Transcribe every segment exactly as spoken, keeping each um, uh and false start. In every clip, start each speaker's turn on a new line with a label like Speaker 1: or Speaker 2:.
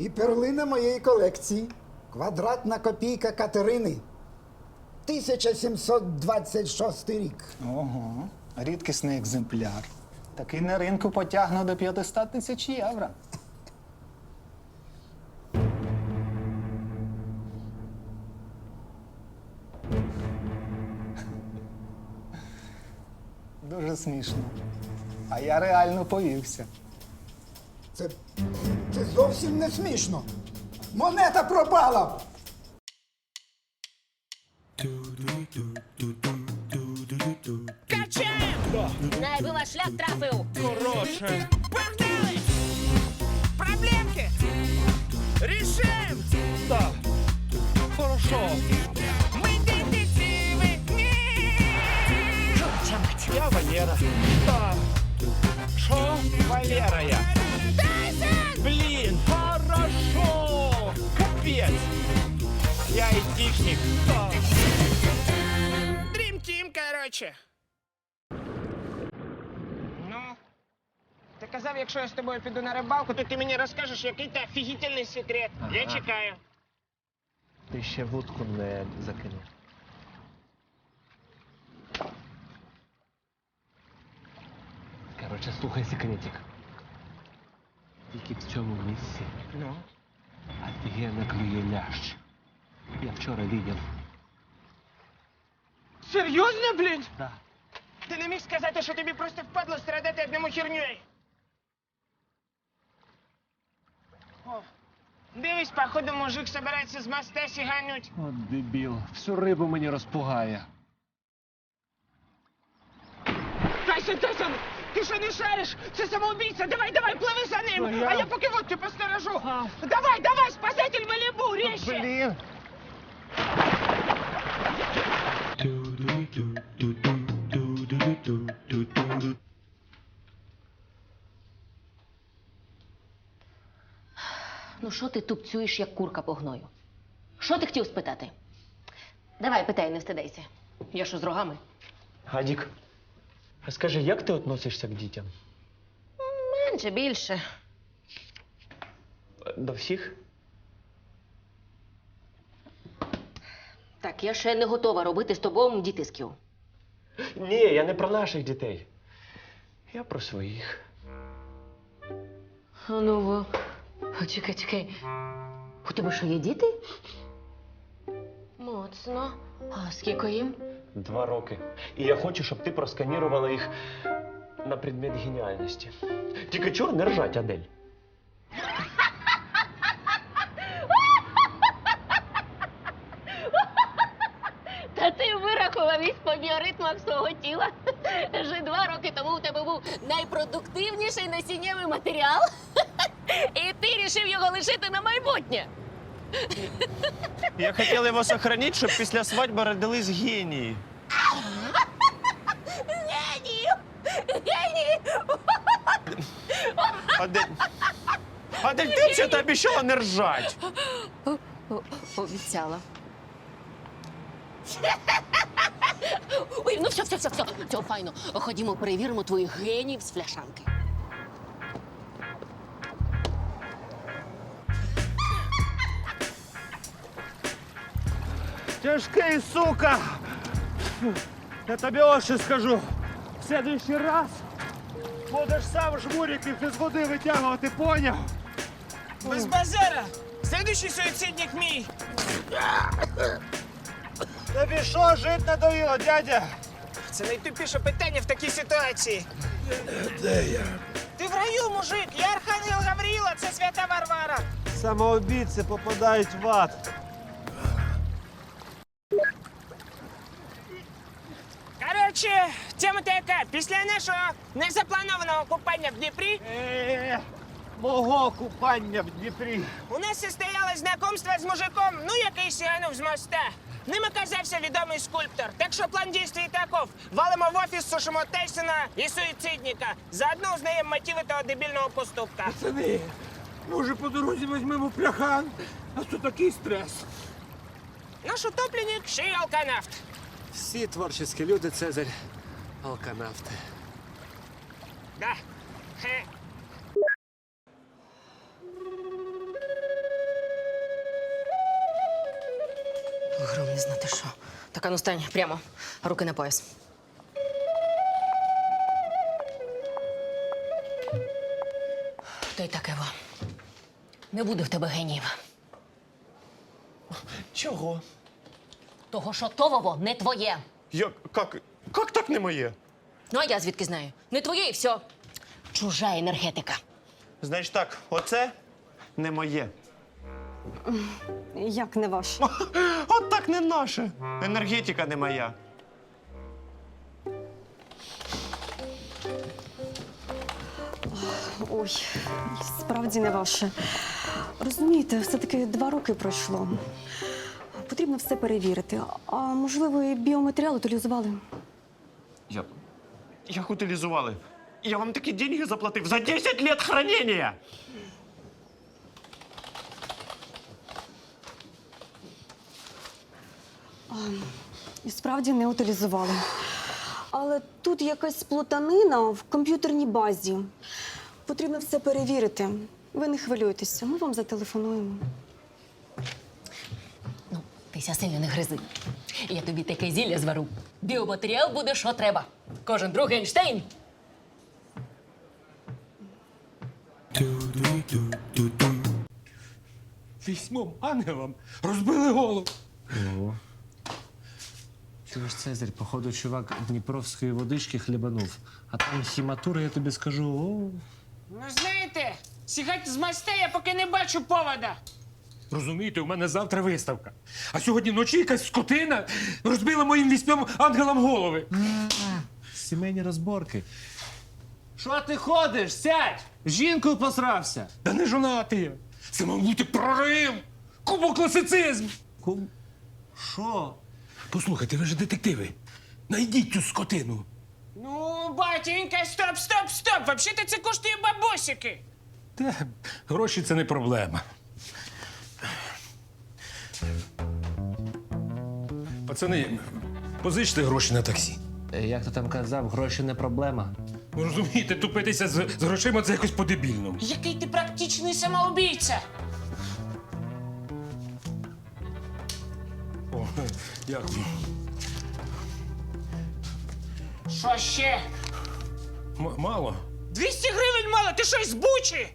Speaker 1: І перлина моєї колекції. Квадратна копійка Катерини. тисяча сімсот двадцять шостий рік.
Speaker 2: Ого, рідкісний екземпляр. Такий на ринку потягне до п'ятсот тисяч євро. Дуже смішно. А я реально повівся.
Speaker 1: Це, це зовсім не смішно. Монета пропала!
Speaker 3: Качаємо! Найби ваш шлях трафив!
Speaker 4: Хороше. Погнали! Проблемки! Рішим! Так. Хорошо. Ми детективи!
Speaker 3: Жовча мать!
Speaker 4: Я Валера. Так. Що? Валера я. Блін, хорошо! Капець! Я айтишник. Так. Дрім Тім, короче.
Speaker 5: Ну, ти казав, якщо я з тобою піду на рибалку, то ти мені розкажеш, який ти офігітельний секрет. Я чекаю.
Speaker 6: Ти ще вудку не закинув. Короче, слухай секретик. Тільки в цьому місці
Speaker 5: Ну?
Speaker 6: офігенно клює лящ. Я вчора видів.
Speaker 5: Серйозно, блін?
Speaker 6: Да.
Speaker 5: Ти не міг сказати, що тобі просто впадло страдати одному херньою? О, дивись, походу, мужик собирається з моста сігануть.
Speaker 6: От дебіл, всю рибу мені розпугає.
Speaker 5: Тайсон, Тайсон, ти що не шариш? Це самоубійця, давай, давай, пливи за ним,
Speaker 6: Ну, я-
Speaker 5: а я поки водки посторожу. Давай, давай, спасатель Малібу, ріще!
Speaker 6: Блін!
Speaker 3: Ну що ти тупцюєш, як курка по гною? Що ти хотів спитати? Давай, питай, не встидайся. Я що, з рогами?
Speaker 6: Гадік, а скажи, як ти відносишся к дітям?
Speaker 3: Менше, більше.
Speaker 6: До всіх?
Speaker 3: Так, я ще не готова робити з тобою дітисків.
Speaker 6: Ні, я не про наших дітей. Я про своїх.
Speaker 3: А ну, во. О, чекай, чекай. У тебе що, є діти? Моцно. А скільки їм?
Speaker 6: Два роки. І я хочу, щоб ти просканірувала їх на предмет геніальності. Тільки чур не ржать, Адель.
Speaker 3: Та ти вирахував із по біоритмах свого тіла. Вже два роки тому у тебе був найпродуктивніший насіннєвий матеріал. І ти рішив його лишити на майбутнє.
Speaker 4: Я хотів його сохранити, щоб після свадьби родились генії.
Speaker 3: Генію! Генію!
Speaker 4: Адель, Адель, ти взагалі обіцяла не ржать.
Speaker 3: Обіцяла. Ой, ну все, все, все, все, все, файно. Ходімо, перевіримо твоїх генів з фляшанки.
Speaker 4: Тяжкий, сука! Я тобі ось що скажу. В следующий раз будеш сам жмуриків із води витягувати, поняв?
Speaker 5: Без базара! Следующий суїцидник мій!
Speaker 4: Тобі що, жить надоїло, дядя?
Speaker 5: Це найтупіше питання в такій ситуації. Де я? Ти в раю, мужик! Я Архангел Гавріла, це свята Варвара!
Speaker 4: Самоубійці попадають в ад.
Speaker 5: Коротше, тема така. Після нашого незапланованого купання в Дніпрі
Speaker 4: Е, мого купання в Дніпрі.
Speaker 5: у нас состоялось знайомство з мужиком, ну, який сіганув з моста. Ним оказався відомий скульптор. Так що план дій таков. Валимо в офіс, сушимо Тайсона і суїцидника. Заодно узнаємо мотиви того дебільного поступка.
Speaker 7: Пацани, може по дорозі візьмемо пляхан? А то такий стрес.
Speaker 5: Наш утопленник ще й алканавт.
Speaker 6: Всі творчі люди, Цезарь, алканавти.
Speaker 5: Да. Хе.
Speaker 3: Гром не знати що. Так, а ну стань прямо. Руки на пояс. То й таке во. Не буде в тебе геніїв.
Speaker 6: Чого?
Speaker 3: Того, що то, Вово, не твоє.
Speaker 6: Як, як, як так не моє?
Speaker 3: Ну, а я звідки знаю? Не твоє і все. Чужа енергетика.
Speaker 6: Значить так, оце не моє.
Speaker 8: Як не ваш?
Speaker 6: От так не наше. Енергетика не моя.
Speaker 8: Ой, справді не ваше. Розумієте, все-таки два роки пройшло. Потрібно все перевірити. А можливо, і біоматеріал утилізували?
Speaker 6: Як? Як утилізували? Я вам такі деньги заплатив за десять лет хранения.
Speaker 8: І справді не утилізували. Але тут якась плутанина в комп'ютерній базі. Потрібно все перевірити. Ви не хвилюйтеся, ми вам зателефонуємо.
Speaker 3: Ну, тися сильно не гризи. Я тобі таке зілля звару. Біоматеріал буде, що треба. Кожен другий Ейнштейн.
Speaker 7: Вісьмом ангелам розбили голову.
Speaker 9: Чуєш, Цезарь, походу, чувак Дніпровської водички хлібанув. А там хіматура, я тобі скажу, о.
Speaker 5: Ну, знаєте, сігати з моста я поки не бачу повода.
Speaker 7: Розумієте, у мене завтра виставка. А сьогодні вночі якась скотина розбила моїм вісьмом ангелам голови.
Speaker 9: Сімейні розборки. Що ти ходиш? Сядь! З жінкою посрався.
Speaker 7: Та не жонатий я. Це мав бути прорив! Кубокласицизм!
Speaker 9: Кум. Що?
Speaker 7: Послухайте, ви ж детективи. Найдіть цю скотину.
Speaker 5: Ну, батенька, стоп, стоп, стоп! Взагалі-то це коштує бабосики.
Speaker 7: Та гроші це не проблема. Пацани, позичте гроші на таксі.
Speaker 9: Е, Як ти там казав, гроші не проблема.
Speaker 7: Ви розумієте, тупитися з, з грошима це якось по-дебільному.
Speaker 5: Який ти практичний самоубійця.
Speaker 7: О, дякую.
Speaker 5: Що ще?
Speaker 7: М- мало.
Speaker 5: двісті гривень мало, ти щось з Бучі?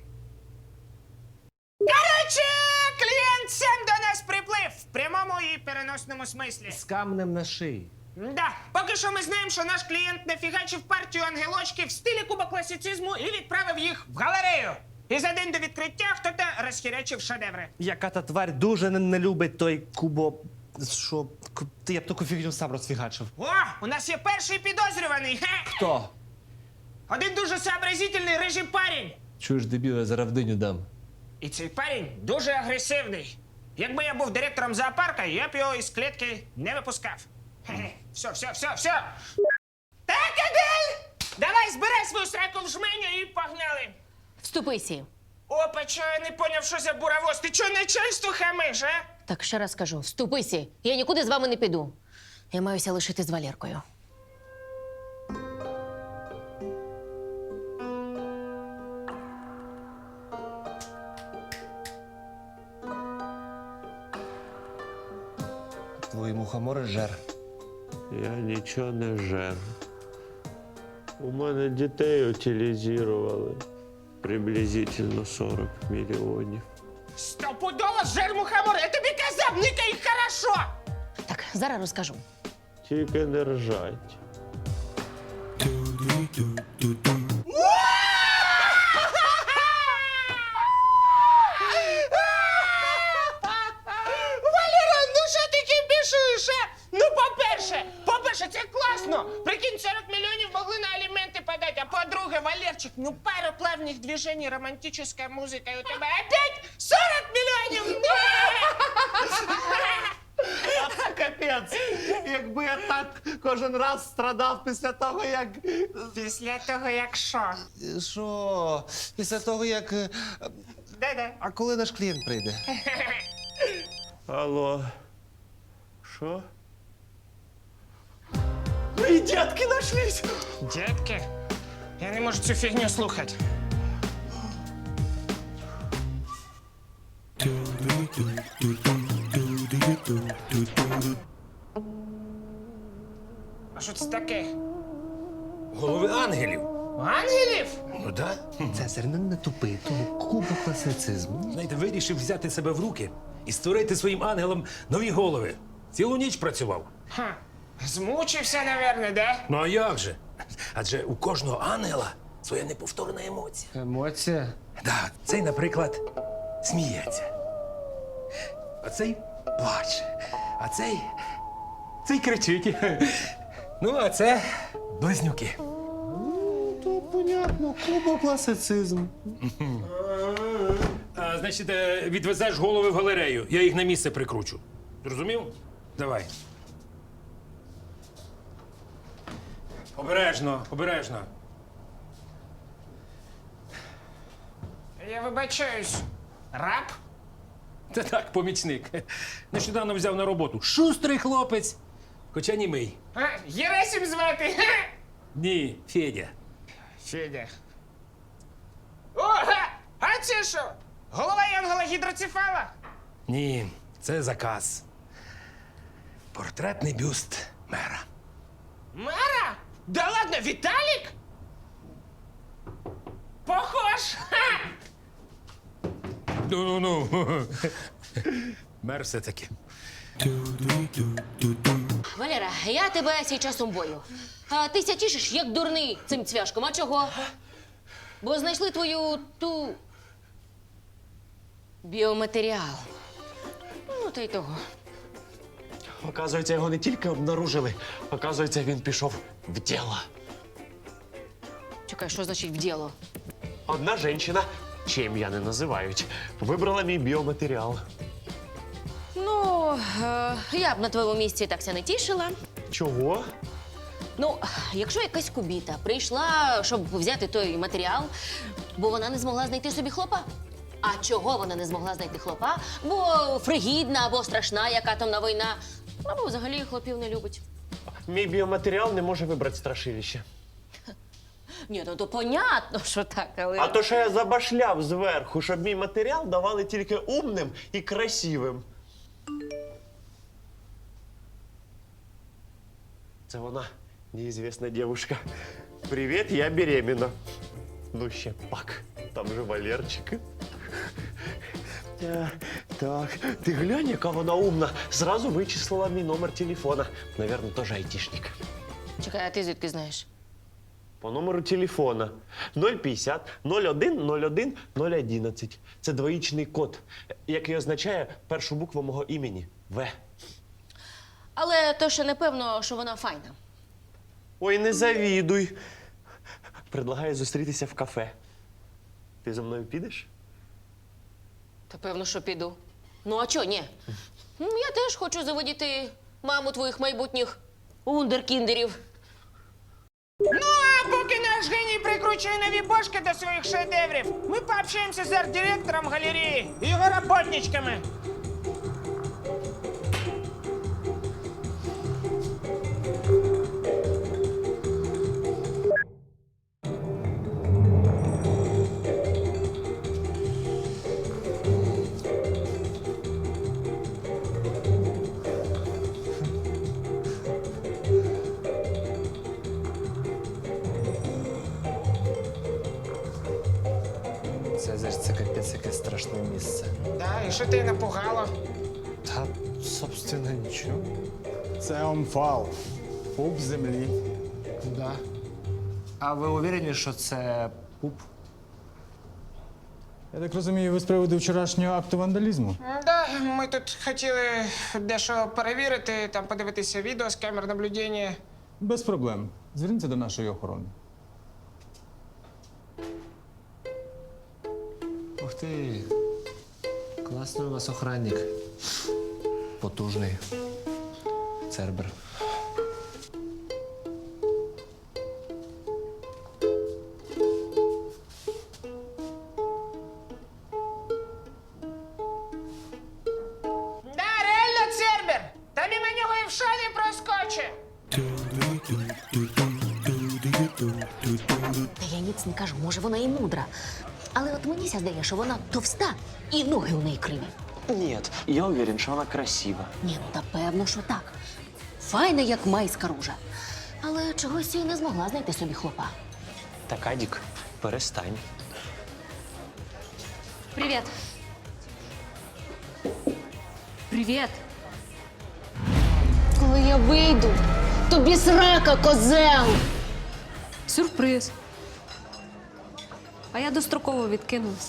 Speaker 5: Короче, клієнт сам до нас приплив. В прямому і переносному смислі.
Speaker 9: З камнем на шиї.
Speaker 5: Да, поки що ми знаємо, що наш клієнт нафігачив партію ангелочків в стилі кубокласицизму і відправив їх в галерею. І за день до відкриття хто-то розхірячив шедеври.
Speaker 10: Яка та тварь дуже не, не любить той кубо. Що? Ку- Ти я б таку фігню сам розфігачив.
Speaker 5: О, у нас є перший підозрюваний. Хе!
Speaker 10: Хто?
Speaker 5: Один дуже сообразительний рижий парень.
Speaker 9: Чуєш, дебіл, я зараз в диню дам.
Speaker 5: І цей парень дуже агресивний. Якби я був директором зоопарка, я б його із клітки не випускав. Хе-хе. Все, все, все, все. Так, Адель! Давай збирай свою сраку в жменю і погнали.
Speaker 3: Вступися.
Speaker 5: Опа, чо я не поняв, що за буравоз? Ти чого начальству хамиш, а?
Speaker 3: Так ще раз кажу, вступися. Я нікуди з вами не піду. Я маюся лишити з Валеркою.
Speaker 10: Твої мухомори жер.
Speaker 11: Я нічого не жер. У мене дітей утилізували. Приблизительно сорок мільйонів.
Speaker 5: Стопудово жер мухомор, я тобі казав, никай їх хорошо!
Speaker 3: Так, зараз розкажу.
Speaker 11: Тільки не ржать.
Speaker 5: Валера, ну що ти кипішуєш, а? Ну, по-перше, по-перше, це класно. Прикинь, сорок мільйонів могли на аліменти подати. А по-друге, Валерчик, ну пару плавних движений, романтична музика, і у тебе опять сорок мільйонів!
Speaker 10: Капець! Якби я так кожен раз страдав після того, як.
Speaker 5: Після того, як що?
Speaker 10: Що? Після того, як. е,
Speaker 5: Де-де?
Speaker 10: А коли наш клієнт прийде?
Speaker 11: Алло. Що?
Speaker 10: Мої дітки нашлись!
Speaker 5: Дядьки, я не можу цю фігню слухати.
Speaker 11: Ту-ду-ду-ду-ду.
Speaker 5: А що це таке?
Speaker 7: Голови ангелів.
Speaker 5: Ангелів?
Speaker 7: Ну да.
Speaker 10: Цезарь, не, не тупи, тому кубокласицизм.
Speaker 7: Знаєте, вирішив взяти себе в руки і створити своїм ангелам нові голови. Цілу ніч працював.
Speaker 5: Ха. Змучився, наверное, да?
Speaker 7: Ну а як же? Адже у кожного ангела своя неповторна емоція.
Speaker 9: Емоція?
Speaker 7: Да, цей, наприклад, сміється. А цей плаче. А цей. Цей кричить. Ну, а це близнюки.
Speaker 10: То понятно, кубокласицизм.
Speaker 7: А, значить, е, відвезеш голови в галерею. Я їх на місце прикручу. Зрозумів? Давай. Обережно, обережно.
Speaker 5: Я вибачаюсь. Раб?
Speaker 7: Та так, помічник. Нещодавно взяв на роботу. Шустрий хлопець, хоча німий.
Speaker 5: А, Єрасим звати. Ха!
Speaker 7: Ні, Федя.
Speaker 5: Федя. О, га! А це що? Голова янгола гідроцефала?
Speaker 7: Ні, це заказ. Портретний бюст мера.
Speaker 5: Мера? Да ладно, Віталік? Похож! Ха!
Speaker 7: Ну-ну-ну. Мер все-таки.
Speaker 3: Валера, я тебе сій часом бою. А ти ся тішиш, як дурний цим цвяшком. А чого? Бо знайшли твою ту біоматеріал. Ну, та й того.
Speaker 6: Оказується, його не тільки обнаружили, оказується, він пішов в діло.
Speaker 3: Чекай, що значить в діло?
Speaker 6: Одна жінка, чим я не називають, вибрала мій біоматеріал.
Speaker 3: Ну, е, я б на твоєму місці так ся не тішила.
Speaker 6: Чого?
Speaker 3: Ну, якщо якась кубіта прийшла, щоб взяти той матеріал, бо вона не змогла знайти собі хлопа. А чого вона не змогла знайти хлопа? Бо фригідна або страшна, яка там на війна, або взагалі хлопів не любить.
Speaker 6: Мій біоматеріал не може вибрати страшилище.
Speaker 3: Ні, ну то понятно, що так, але.
Speaker 6: А то що я забашляв зверху, щоб мій матеріал давали тільки умним і красивим. Це вона, неізвісна дівчинка. Привіт, я беременна. Ну ще пак, там же Валерчик. Е, Так, ти глянь, яка вона умна. Зразу вичислила мій номер телефона. Навірно, теж айтішник.
Speaker 3: Чекай, а ти звідки знаєш?
Speaker 6: По номеру телефона нуль п'ятдесят нуль один нуль один нуль одинадцять. Це двоїчний код, який означає першу букву мого імені В.
Speaker 3: Але то ще не певно, що вона файна.
Speaker 6: Ой, не завідуй. Предлагаю зустрітися в кафе. Ти зі мною підеш?
Speaker 3: Та певно, що піду. Ну, а чого ні? Ну, я теж хочу заводіти маму твоїх майбутніх вундеркіндерів.
Speaker 5: Ну, а поки наш геній прикручує нові бошки до своїх шедеврів, ми пообщаємося з арт-директором галереї і його роботничками.
Speaker 10: Цезарь, це капець яке страшне місце.
Speaker 5: Да, і що тебе напугало?
Speaker 10: Та, собственно, нічого.
Speaker 1: Це омфал. Пуп землі.
Speaker 10: Да. А ви уверені, що це пуп?
Speaker 12: Я так розумію, ви з приводу вчорашнього акту вандалізму?
Speaker 5: Да, ми тут хотіли дещо перевірити, там подивитися відео з камер наблюдення.
Speaker 12: Без проблем. Зверніться до нашої охорони.
Speaker 9: Ух ти. Класний у вас охранник. Потужний. Цербер.
Speaker 5: Да, реально Цербер! Та мимо нього і в шані проскоче!
Speaker 3: Та я ніц не кажу, може вона і мудра. Але от мені ся здає, що вона товста і ноги у неї криві.
Speaker 6: Нет, я уверен, что она красива.
Speaker 3: Ні, ну та певно, що так. Файна, як майська ружа. Але чогось і не змогла знайти собі хлопа.
Speaker 6: Так, Адік, перестань.
Speaker 3: Привіт. Привіт. Коли я вийду, тобі срака, козел!
Speaker 13: Сюрприз. А я достроково відкинулась.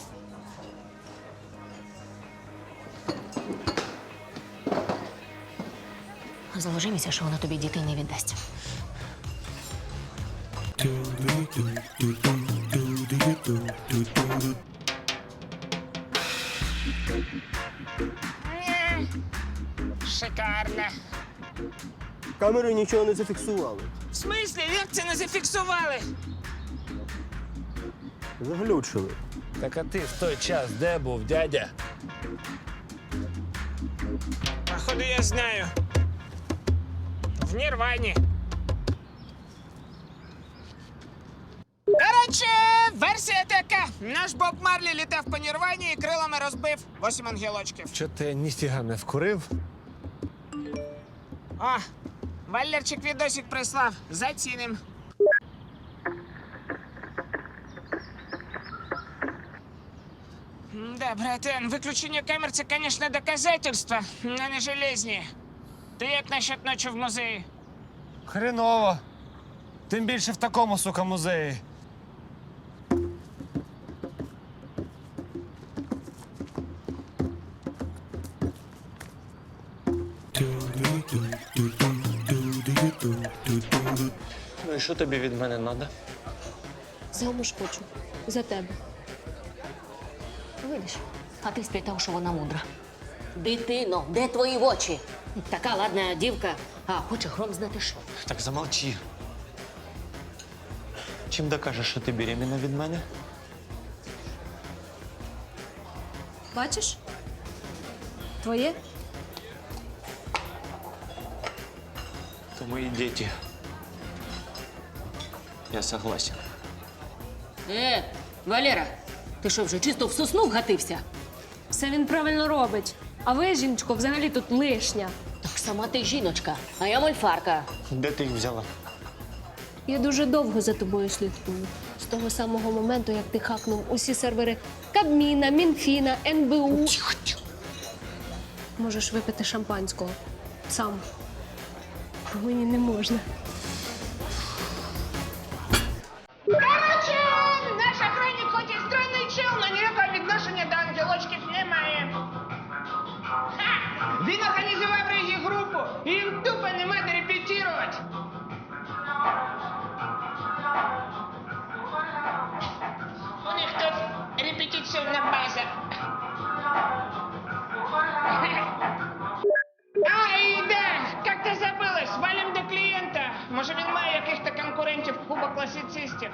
Speaker 3: Заложи місяць, що вона тобі дітей не віддасть.
Speaker 5: Шикарно.
Speaker 10: Камери нічого не зафіксували.
Speaker 5: В смислі, як це не зафіксували?
Speaker 10: Заглючили.
Speaker 7: Так а ти в той час де був, дядя?
Speaker 5: Походу, я знаю. В Нірвані. Коротше, версія така. Наш Боб Марлі літав по Нірвані і крилами розбив восім ангелочків.
Speaker 7: Що ти ніфіга не вкурив?
Speaker 5: О, Валерчик відосик прислав. Заціним. Да, братан, виключення камер – це, звісно, доказательство, але не железні. Ти як насчет ночі в музеї?
Speaker 7: Хреново. Тим більше в такому, сука, музеї.
Speaker 6: Ну і що тобі від мене треба?
Speaker 13: Замуж хочу. За тебе.
Speaker 3: Видиш, а ти сплітав, що вона мудра. Дитино, де твої очі? Така ладна дівка, а хоче гром знати що.
Speaker 6: Так замолчи. Чим докажеш, що ти беременна від мене?
Speaker 13: Бачиш? Твоє?
Speaker 6: То мої діти. Я согласен.
Speaker 3: Е, Валера, ти що, вже чисто в сосну вгатився?
Speaker 13: Все він правильно робить. А ви, жіночко, взагалі тут лишня.
Speaker 3: Так сама ти жіночка, а я мольфарка.
Speaker 6: Де ти їх взяла?
Speaker 13: Я дуже довго за тобою слідкую. З того самого моменту, як ти хакнув усі сервери Кабміна, Мінфіна, ен бе у.
Speaker 6: Тихо, тихо.
Speaker 13: Можеш випити шампанського. Сам. Мені не можна.
Speaker 5: Короче, наш охранник хоч і стройний чел, але ніякого відношення до ангелочків немає. Ха! Він організував регі групу, і їм тупо нема де репетирувати. У них тут репетиційна база. А, і да, як-то забилась, валим до клієнта. Може він має яких-то конкурентів куба класицистів.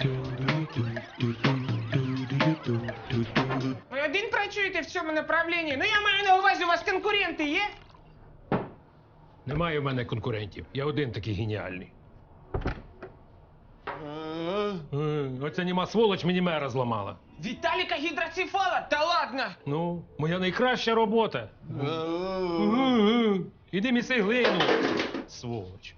Speaker 5: Ви один працюєте в цьому направлінні? Ну я маю на увазі, у вас конкуренти є?
Speaker 7: Немає в мене конкурентів. Я один такий геніальний. Е, Оця німа сволоч мені мера зламала.
Speaker 5: Віталіка гідроцефала? Та ладно!
Speaker 7: Ну, моя найкраща робота. Е, Іди міси глину, сволоч.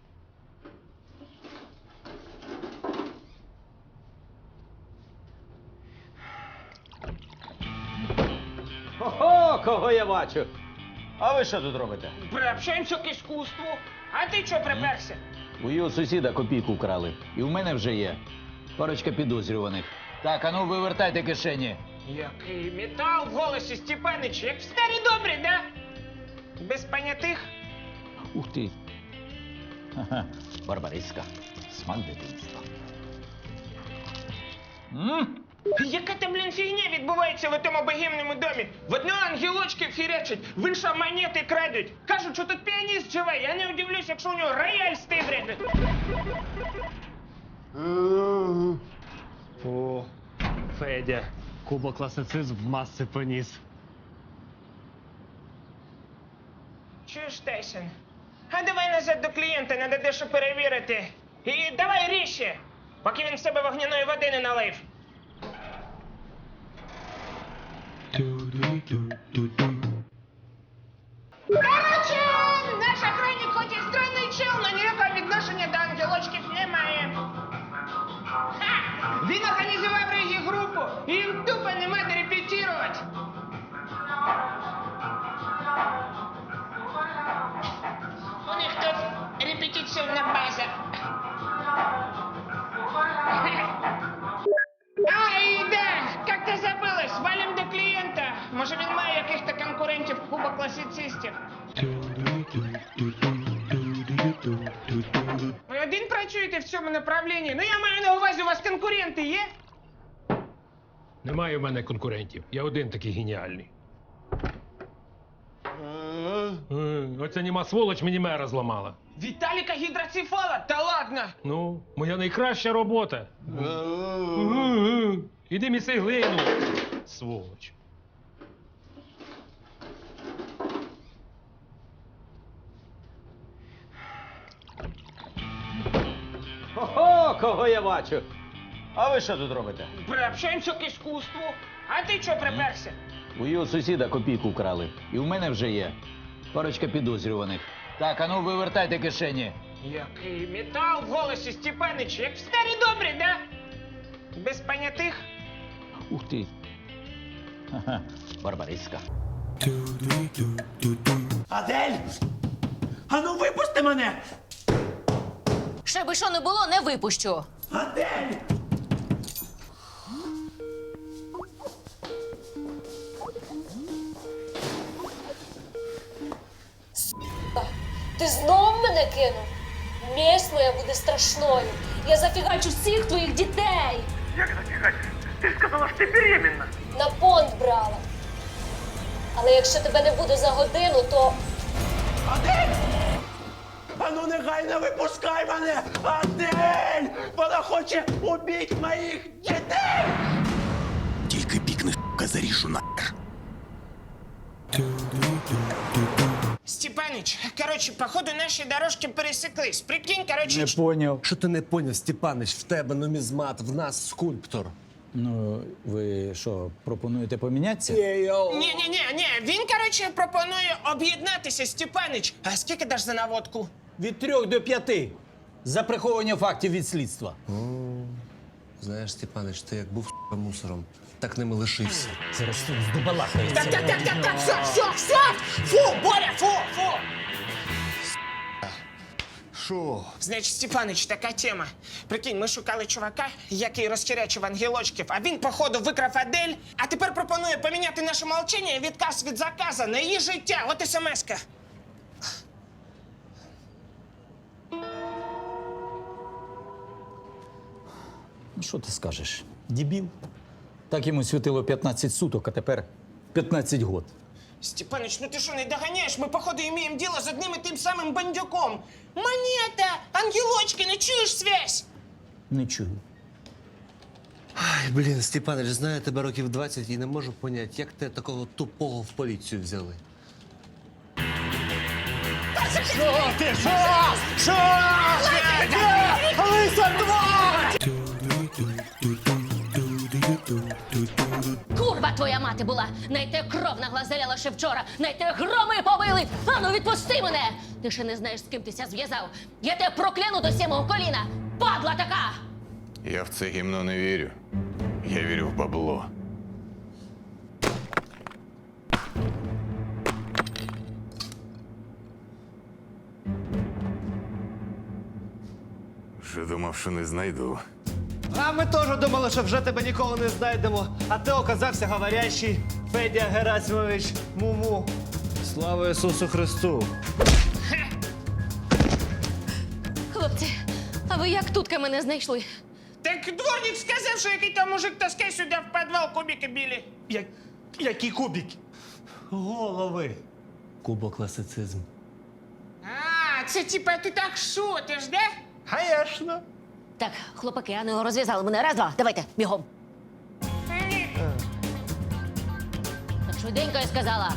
Speaker 14: Ого, кого я бачу? А ви що тут робите?
Speaker 5: Приобщаємося к іскусству. А ти чого приперся?
Speaker 14: У його сусіда копійку вкрали. І в мене вже є. Парочка підозрюваних. Так, а ну вивертайте кишені.
Speaker 5: Який метал в голосі, Степанич, як в старі добрі, да? Без понятих?
Speaker 14: Ух ти. Ха-ха, барбариська. Смак дитинства. М?
Speaker 5: Яка там, блін, фігня відбувається в тому богемному домі? В одного ангелочки фірячать, в іншого монети крадуть. Кажуть, що тут піаніст живе. Я не удивлюсь, якщо у нього рояль стибряде.
Speaker 9: О, Федя. Кубо класицизм в маси поніс.
Speaker 5: Чуєш, Тайсон? А давай назад до клієнта, треба дещо перевірити. І давай ріще, поки він в себе вогняної води не налив. працюєте в цьому направлінні? Ну я маю на увазі, у вас конкуренти є?
Speaker 7: Немає в мене конкурентів. Я один такий геніальний. Е, Оця німа сволоч мені мера зламала.
Speaker 5: Віталіка гідроцефала? Та ладно!
Speaker 7: Ну, моя найкраща робота. Е, Іди міси глину, сволоч.
Speaker 14: Ого, кого я бачу? А ви що тут робите?
Speaker 5: Приобщаємося к іскусству. А ти чого приперся?
Speaker 14: У його сусіда копійку вкрали. І в мене вже є. Парочка підозрюваних. Так, ану, вивертайте кишені.
Speaker 5: Який метал в голосі, Степанич, як в старі добрі, да? Без понятих?
Speaker 14: Ух ти. Ха-ха, барбариська.
Speaker 6: Адель! Ану, випусти мене!
Speaker 3: Ще би що не було, не випущу.
Speaker 6: Адель!
Speaker 13: Ти знов мене кинув? Месть моя буде страшною. Я зафігачу всіх твоїх дітей.
Speaker 4: Як зафігать? Ти ж сказала, що ти беременна.
Speaker 13: На понт брала. Але якщо тебе не буде за годину, то
Speaker 6: Адель! Ану, негайно випускай мене! Адель! Вона хоче убити моїх дітей!
Speaker 4: Тільки пікни, сука, заріжу нахер.
Speaker 5: Степанич, короче, походу наші дорожки пересеклись. Прикинь, короче...
Speaker 10: Не поняв.
Speaker 9: Що ти не поняв, Степанич? В тебе нумізмат, в нас скульптор.
Speaker 12: Ну, ви що, пропонуєте помінятися?
Speaker 5: Ні-ні-ні, ні, він, короче, пропонує об'єднатися, Степанич. А скільки даш за наводку?
Speaker 14: Від трьох до п'яти. За приховування фактів від слідства.
Speaker 9: Знаєш, Степанич, ти як був сука, мусором, так ними лишився.
Speaker 14: Зараз тут здобалахається.
Speaker 5: Так, так, так, так, так, все, все, все! Фу, Боря, фу, фу!
Speaker 6: Що?
Speaker 5: Значить, Степанич, така тема. Прикинь, ми шукали чувака, який розхерячив ангелочків, а він, походу, викрав Адель, а тепер пропонує поміняти наше молчання і відказ від заказа на її життя. От смс-ка.
Speaker 14: Ну, що ти скажеш? Дебіл. Так йому світило п'ятнадцять суток, а тепер п'ятнадцять год.
Speaker 5: Степаныч, ну ты что, не догоняешь? Мы, походу, имеем дело с одним и тем самым бандюком. Монета! Ангелочки, не чуешь связь?
Speaker 14: Не чую.
Speaker 9: Ай, блін, Степанич, знаю тебе років двадцять і не можу поняти, як ти такого тупого в поліцію взяли.
Speaker 6: Що ти? Що? Що? Лиса тварь!
Speaker 3: Курва твоя мати була! Найте кров наглазеляла ще вчора! Найте громи побили! Ану, відпусти мене! Ти ще не знаєш, з ким тися зв'язав! Я тебе прокляну до сімого коліна! Падла така!
Speaker 15: Я в це гімно не вірю. Я вірю в бабло. Вже думав, що не знайду.
Speaker 10: А ми теж думали, що вже тебе ніколи не знайдемо. А ти оказався говорящий Федя Герасимович Муму.
Speaker 9: Слава Ісусу Христу!
Speaker 3: Хлопці, а ви як тутка мене знайшли?
Speaker 5: Так дворник сказав, що який там мужик таскає сюди в підвал кубики білі.
Speaker 10: Як... Які кубики? Голови.
Speaker 9: Кубокласицизм.
Speaker 5: А, це типа ти так шутиш, да?
Speaker 10: Конечно.
Speaker 3: Так, хлопаки, а ну розв'язали мене. Раз, два, давайте, бігом. Так швиденько я сказала.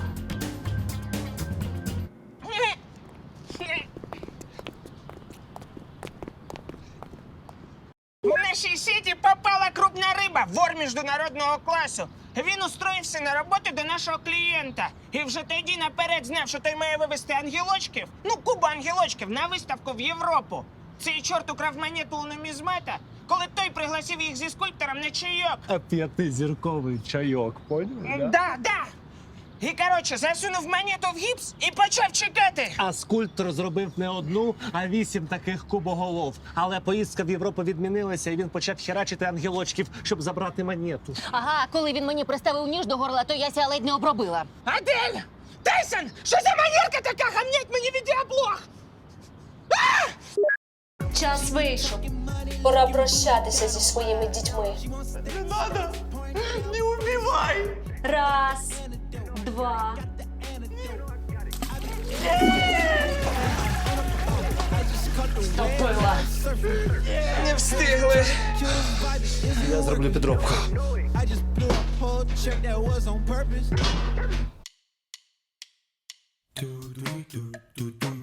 Speaker 5: В нашій сіті попала крупна риба, вор міжнародного класу. Він устроївся на роботу до нашого клієнта. І вже тоді наперед знав, що той має вивезти ангелочків, ну, кубу ангелочків, на виставку в Європу. Цей чорт украв монету у нумізмата, коли той пригласив їх зі скульптором на чайок.
Speaker 10: А п'ятизірковий чайок, поняв?
Speaker 5: Да, да. да. І, коротше, засунув монету в гіпс і почав чекати.
Speaker 10: А скульптор зробив не одну, а вісім таких кубоголов. Але поїздка в Європу відмінилася, і він почав херачити ангелочків, щоб забрати монету.
Speaker 3: Ага, коли він мені приставив ніж до горла, то я ся ледь не обробила.
Speaker 5: Адель! Тайсон! Що за манерка така гамнять мені відеоблог?
Speaker 13: Час вийшов. Пора прощатися зі своїми дітьми.
Speaker 6: Не надо! Не убивай!
Speaker 13: Раз, два. Стопила.
Speaker 5: Не встигли.
Speaker 9: Я зроблю підробку.
Speaker 16: do do do do do